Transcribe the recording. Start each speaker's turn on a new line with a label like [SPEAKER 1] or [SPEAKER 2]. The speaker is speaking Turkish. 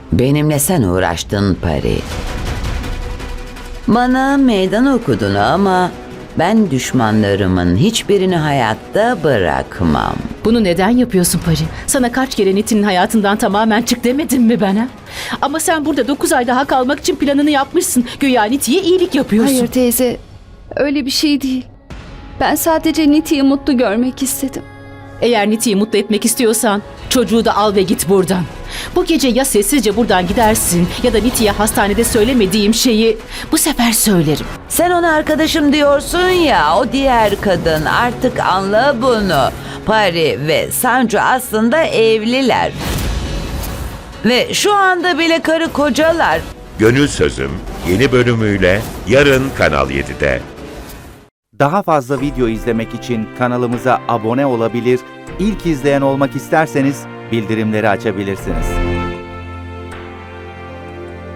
[SPEAKER 1] Benimle sen uğraştın Pari. Bana meydan okudun ama ben düşmanlarımın hiçbirini hayatta bırakmam.
[SPEAKER 2] Bunu neden yapıyorsun Pari? Sana kaç kere Niti'nin hayatından tamamen çık demedim mi ben ha? Ama sen burada 9 ay daha kalmak için planını yapmışsın. Güya Niti'ye iyilik yapıyorsun.
[SPEAKER 3] Hayır teyze, öyle bir şey değil. Ben sadece Niti'yi mutlu görmek istedim.
[SPEAKER 2] Eğer Niti'yi mutlu etmek istiyorsan çocuğu da al ve git buradan. Bu gece ya sessizce buradan gidersin ya da Niti'ye hastanede söylemediğim şeyi bu sefer söylerim.
[SPEAKER 1] Sen ona arkadaşım diyorsun ya, o diğer kadın, artık anla bunu. Pari ve Sancu aslında evliler. Ve şu anda bile karı kocalar.
[SPEAKER 4] Gönül Sözüm yeni bölümüyle yarın Kanal 7'de.
[SPEAKER 5] Daha fazla video izlemek için kanalımıza abone olabilir, ilk izleyen olmak isterseniz bildirimleri açabilirsiniz.